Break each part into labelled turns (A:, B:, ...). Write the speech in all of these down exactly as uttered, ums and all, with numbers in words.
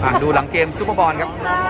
A: อ่ะดูหลังเกมซุปเปอร์บอลครับ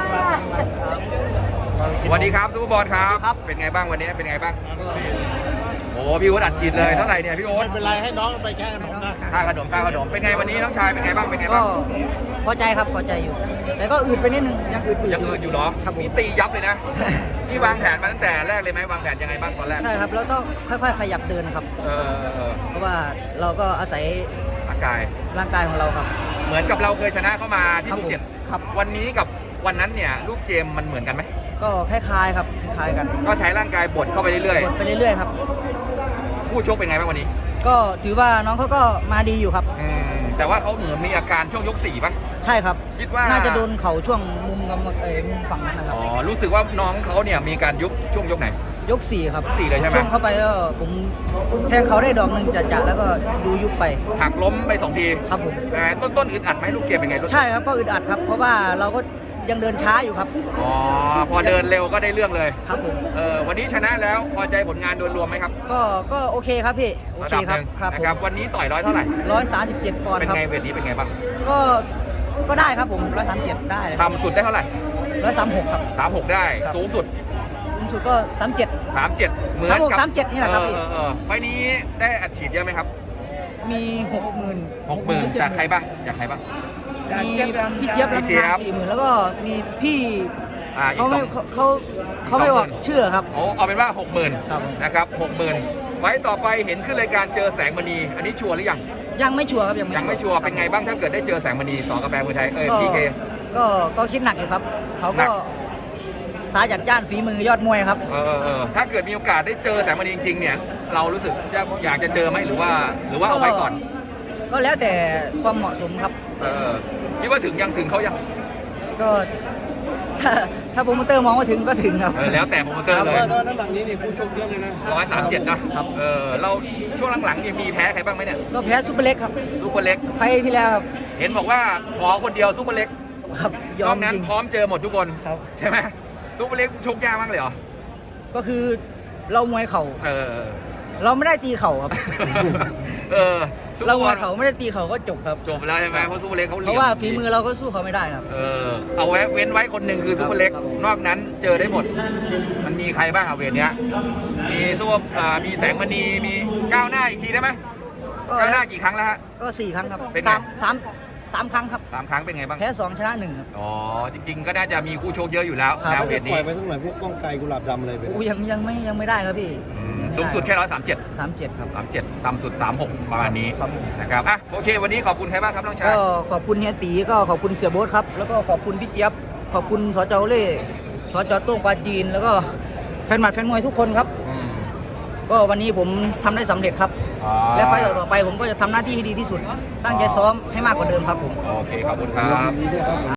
A: สวัสดีครับซุปเปอร์บอลครับ เป็นไงบ้างวันนี้เป็นไงบ้างโอ้พี่โอ๊ตอัดฉีดเลยเท่าไหร่เนี่ยพี่โอ๊ต
B: ไม่เป็นไรให้น้องไปแค่ขนมนะ
A: ค่าขนมค่าขนมเป็นไงวันนี้น้องชายเป็นไงบ้างเป็นไง
C: ก็
A: บ้าง
C: พอใจครับพอใจอยู่ แต่ก็อืดไปนิดนึงยังอืด
A: ยังอื่นอยู่เหรอครับมีตียับเลยนะนี่วางแผนมาตั้งแต่แรกเลยไหมวางแผนยังไงบ้างตอนแรก
C: ใช่ครับเราต้องค่อยๆขยับเดินครับ
A: เออเออเออ
C: เพราะว่าเราก็อาศัย
A: ร่างกาย
C: ร่างกายของเราครับ
A: เหมือนกับเราเคยชนะเข้ามาที่
C: ครับ
A: ภูเก็ต
C: ผมครับ
A: วันนี้กับวันนั้นเนี่ยรูปเกมมันเหมือนกันไหม
C: ก็คล้ายๆครับคล้ายๆกัน
A: ก็ใช้ร่างกายบดเข้าไปเรื่อย
C: กดไปเรื่อยๆครับ
A: ๆคู่ชกเป็นไงบ้างวันนี้
C: ก็ถือว่าน้องเขาก็มาดีอยู่ครับ
A: อืมแต่ว่าเขาเหมือนมีอาการช่วงยกสี่ป่ะ
C: ใช่ครับ
A: คิดว่า
C: น่าจะโดนเข่าช่วงมุมกำเอ่อมุมฝั่งนั้นนะครับ
A: อ๋อรู้สึกว่าน้องเขาเนี่ยมีการยุบช่วงยกไหน
C: ยกสี่ครับ
A: สี่เลยใช่ไหม
C: ช่วงเข้าไปแล้วผมแทงเขาได้ดอกหนึ่งจัดๆแล้วก็ดูยุบไป
A: หักล้มไปสองที
C: ครับผม
A: แต่ต้นต้นๆอึดอัดไหมลูกเกมเป็นไงลูก
C: ใช่ครับก็อึดอัดครับ เพราะว่าเราก็ยังเดินช้าอยู่ครับ
A: อ๋อพอเดินเร็วก็ได้เรื่องเลย
C: ครับผม
A: เออวันนี้ชนะแล้วพอใจผลงานโดยรวมไหมครับ
C: ก็ก็โอเคครับพี่โอ
A: ระ
C: เค
A: ดับ
C: ค
A: ห
C: รับ
A: นึ่ง
C: ครับ
A: นะครับวันนี้ต่อยร้อยเท่าไหร่
C: ร้อยสามสิบเจ็ดปอนด์
A: เป็น
C: ครับ
A: ไงเวทนี้เป็นไงบ้าง
C: ก็ก็ได้ครับผมร้อยสามเจ็ดได้เลย
A: ต่ำสุดได้เท่าไหร่
C: ร้อยสามหกครับ
A: สามหกได้
C: ครับ
A: สูงสุด
C: สูงสุดก็สามเจ็ด
A: สามเจ็ดเหมือน
C: ครับผม
A: กับ
C: สามเจ็ดนี่แหละครับ
A: เอ
C: พี่
A: อเออเออไฟล์นี้ได้อัดฉีดเยอะไหมครับ
C: มีหกหมื่น
A: หกหมื่นจากใครบ้างจากใครบ้าง
C: มีพี่เจี๊ยบ
A: พี่เจี๊ยบ
C: สี่หมื่นแล้วก็มีพี่
A: อ่าอี
C: เขา
A: กส
C: ไม่
A: อง
C: เขาเขาเขาไม่
A: สองหมื่
C: บอก
A: น
C: ชื่อครับ
A: โอ้เอาเป็นว่าหกหมื่น
C: ครับผม
A: นะครับหกหมื่นไฟล์ต่อไปเห็นขึ้นรายการเจอแสงมณีอันนี้ชัวร์หรือยัง
C: ยังไม่ชัวร์ครับยัง
A: ยังไม่ชัวร์เป็นไงบ้างถ้าเกิดได้เจอแสงมณีสองกาแฟมือไทยเอ้ย
C: ก็
A: พีเค
C: ก็ก็คิดหนักอยู่ครับ เขา
A: หนั
C: ก็
A: ก
C: สายจัดจ้านฝีมือยอดมวยครับ
A: เออเออเออถ้าเกิดมีโอกาสได้เจอแสงมณีจริงๆเนี่ยเรารู้สึกอยากอยากจะเจอไหมหรือว่า หรือว่าเอาไว้ก่อน
C: ก็แล้วแต่ความเหมาะสมครับ
A: เออคิดว่าถึงยังถึงเขายัง
C: ก็ถ้าถ้าโปรโมเตอร์มองว่าถึงก็ถึงครับ
A: เออแล้วแต่โปรโมเตอร์
B: เพ
A: เล
B: ราะ
A: ย
B: ว่าน้ำหนักนี้นี่คู่ชกเยอะเลยนะ
A: ร้อยสามเจ็ดนะครับ เออเราช่วงหลังๆเนี่ยมีแพ้ใครบ้างไหมเนี่ย
C: ก็แพ้ซุปเปอร์เล็กครับ
A: ซูเปอร์เล็ก
C: ไฟล์ที่แล้วครับ
A: เห็นบอกว่าขอคนเดียวซูเปอร์เล็ก
C: ครับย
A: น
C: อ
A: อ
C: ม
A: กนั้น
C: จริง
A: พร้อมเจอหมดทุกคน
C: ครับ
A: ใช่ไหมซูเปอร์เล็กชกยากมากเลยเหรอ
C: ก็คือเรามวยเข่า
A: เออ
C: เราไม่ได้ตีเข่าครับ
A: เออซูเปอ
C: เรา
A: ร์
C: ม
A: บ
C: ว
A: อย ล
C: เข่าไม่ได้ตีเข่าก็จบครับ
A: จบแล้วใช่ไหมเพราะซูเปอร์เล็กเขา
C: เพ
A: เหลี่ยม
C: ราะว่าฝีมือเราก็สู้เขาไม่ได้ครับ
A: เออเอาไว้เว้นไว้คนหนึ่งคือซูเปอร์เล็ก
C: ครับ
A: นอกนั้นเจอได้หมด มันมีใครบ้างอะเวทเนี้ยมีซูเปอร์อ่ามีแสงมณีมีก้าวหน้าอีกทีได้ไหม
C: ก็
A: ก้าวหน้ากี่ครั้งแล้วฮะ
C: ก็สี่ครั้งครับ
A: เป็นไง
C: สามสามสามครั้งครับ
A: สามครั้งเป็นไงบ้าง
C: แพ้สองชนะหนึ่งครับ
A: อ๋อจริง ๆ ก็น่าจะมีคู่โชคเยอะอยู่แล้ว
C: ครับ
A: แนวเวท
B: ปล่
A: นี้
B: อยไปทั้งหน่อยพวกก้องไกลกุหลาบดำอะไรไป
C: อู้ยังยังไม่ยังไม่ได้ครับพี่
A: อืมสูงสุดแค่ร้อยสามเจ็ด
C: สามเจ็ดครับ
A: สามเจ็ดต่ำสุดสามหกประมาณนี้
C: ครับ
A: นะครับอ่ะโอเค วันนี้ขอบคุณใครบ้างครับน้องชาย
C: ก็ขอบคุณเฮียตีก็ขอบคุณเสียโบ๊ทครับ แล้วก็ขอบคุณพี่เจี๊ยบ ขอบคุณสจเล่สจโต้งปาจีน แล้วก็แฟนหมัดแฟนมวยทุกคนครับ
A: อืม
C: ก็วันนี้ผมทำได้สำเร็จครับ
A: อ๋อ
C: และไฟต์ต่อๆไปผมก็จะทำหน้าที่ให้ดีที่สุด ตั้งใจซ้อมให้มากกว่าเดิมครับผม
A: โอเค ขอบคุณครับ